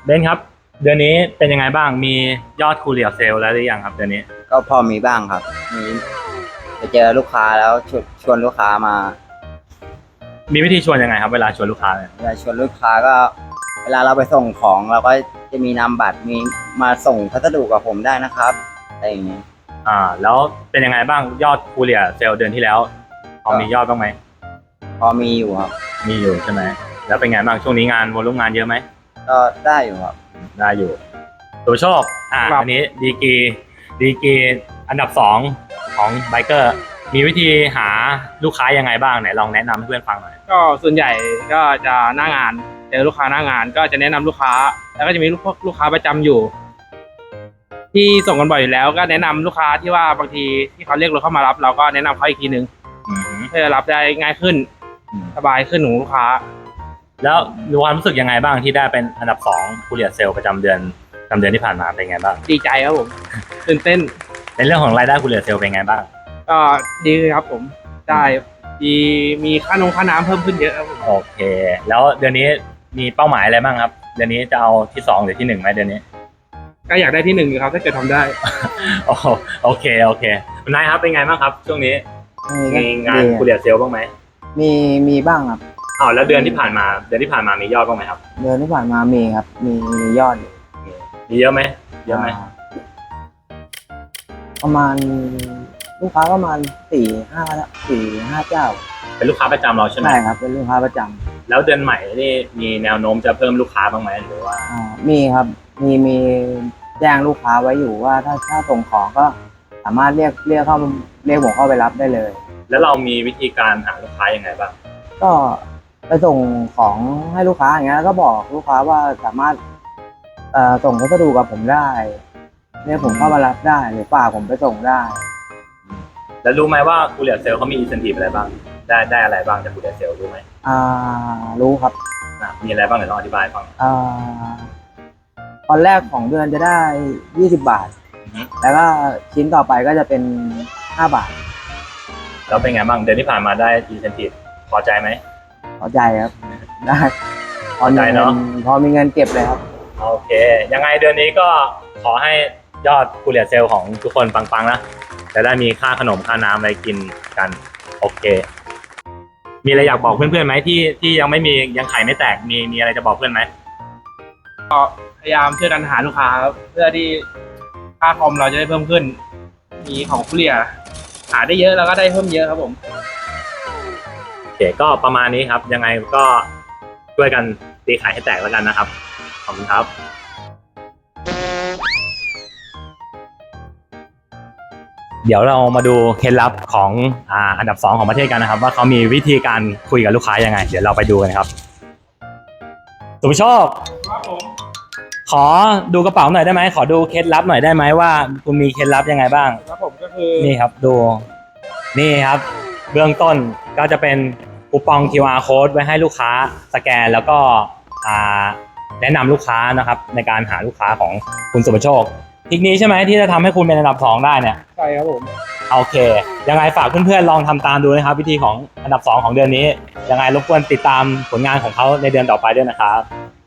เบนครับเดือนนี้เป็นยังไงบ้างมียอดคูเรียเซลแล้วหรือยังครับเดือนนี้ก็พอมีบ้างครับมีไปเจอลูกค้าแล้วชวนลูกค้ามามีวิธีชวนยังไงครับเวลาชวนลูกค้าเนี่ยเวลาชวนลูกค้าก็เวลาเราไปส่งของเราก็จะมีนามบัตรมีมาส่งพัสดุกับผมได้นะครับอะไรอย่างเงี้ยแล้วเป็นยังไงบ้างยอดคูเรียเซลเดือนที่แล้วพอมียอดบ้างไหมพอมีอยู่ครับมีอยู่ใช่ไหมแล้วเป็นไงบ้างช่วงนี้งานวอลุ่มงานเยอะไหมก็ได้อยู่ครับได้อยู่ตัวโชคอันนี้ดีกรีอันดับ2ของไบเกอร์มีวิธีหาลูกค้ายังไงบ้างไหนลองแนะนำให้เพื่อนฟังหน่อยก็ส่วนใหญ่ก็จะหน้างานเจอลูกค้าหน้างานก็จะแนะนำลูกค้าแล้วก็จะมีลูกค้าประจำอยู่ที่ส่งกันบ่อยอยู่แล้วก็แนะนำลูกค้าที่ว่าบางทีที่เขาเรียกรถเข้ามารับเราก็แนะนำเขาอีกทีนึงเพื่อรับได้ง่ายขึ้นสบายขึ้นของลูกค้าแล้วมีความรู้สึกยังไงบ้างที่ได้เป็นอันดับ2คูเรียเซลประจำเดือนที่ผ่านมาเป็นไงบ้างดีใจครับผมตื่นเต้นในเรื่องของรายได้คูเรียเซลเป็นไงบ้างก็ดีครับผมได้ดีมีค่าน้ำเพิ่มขึ้นเยอะครับผมโอเคแล้วเดือนนี้มีเป้าหมายอะไรบ้างครับเดือนนี้จะเอาที่2หรือที่1ไหมเดือนนี้ก็อยากได้ที่1อยู่ครับถ้าเกิดทำได้โอเคคุณนายครับเป็นไงบ้างครับช่วงนี้มีงานคูเรียเซลบ้างไหมมีบ้างครับแล้วเดือนที่ผ่านมามียอดบ้างไหมครับเดือนที่ผ่านมามีครับมียอดมีเยอะไหมประมาณลูกค้าประมาณ4-5เจ้าเป็นลูกค้าประจำเราใช่ไหมใช่ครับเป็นลูกค้าประจำแล้วเดือนใหม่นี่มีแนวโน้มจะเพิ่มลูกค้าบ้างไหมหรือว่ามีครับมีแจ้งลูกค้าไว้อยู่ว่าถ้าส่งของก็สามารถเรียกผมเข้าไปรับได้เลยแล้วเรามีวิธีการหาลูกค้ายังไงบ้างก็ไปส่งของให้ลูกค้าอย่างเงี้ยแล้วก็บอกลูกค้าว่าสามารถส่งพัสดุกับผมได้เรียกผมเข้ามารับได้หรือฝากผมไปส่งได้แล้วรู้ไหมว่าคูเรียเซลเขามีอินเซนทีฟอะไรบ้างได้อะไรบ้างจากคูเรียเซลรู้ไหมรู้ครับมีอะไรบ้างเดี๋ยวลองอธิบายฟังตอนแรกของเดือนจะได้20 บาทแล้วก็ชิ้นต่อไปก็จะเป็น5 บาทแล้วเป็นไงบ้างเดือนที่ผ่านมาได้อินเซนทีฟพอใจไหมพอใจครับได้พอใจเนาะพอมีเงินเก็บเลยครับโอเคยังไงเดือนนี้ก็ขอให้ยอดคูเรียเซลของทุกคนปังๆนะจะได้มีค่าขนมค่าน้ำอะไรกินกันโอเคมีอะไรอยากบอกเพื่อนๆไหมที่ยังไม่มียังไข่ไม่แตกมีอะไรจะบอกเพื่อนไหมก็พยายามช่วยกันหาลูกค้าเพื่อที่ค่าคอมเราจะได้เพิ่มขึ้นมีของคูเรียหาได้เยอะแล้วก็ได้เพิ่มเยอะครับผมโอเคก็ประมาณนี้ครับยังไงก็ช่วยกันตีไข่ให้แตกแล้วกันนะครับขอบคุณครับเดี๋ยวเรามาดูเคล็ดลับของอันดับ2ของประเทศกันนะครับว่าเขามีวิธีการคุยกับลูกค้ายังไงเดี๋ยวเราไปดูกันครับสุภโชคครับผมขอดูกระเป๋าหน่อยได้ไหมขอดูเคล็ดลับหน่อยได้ไหมว่าคุณมีเคล็ดลับยังไงบ้างครับผมก็คือนี่ครับดูนี่ครับเบื้องต้นก็จะเป็นคูปอง QR code ไว้ให้ลูกค้าสแกนแล้วก็แนะนำลูกค้านะครับในการหาลูกค้าของคุณสุภโชคทีนี้ใช่ไหมที่จะทำให้คุณเป็นอันดับ2ได้เนี่ยใช่ครับผมโอเคยังไงฝากเพื่อนๆลองทำตามดูนะครับวิธีของอันดับ2ของเดือนนี้ยังไงรบกวนติดตามผลงานของเขาในเดือนต่อไปด้วยนะครับ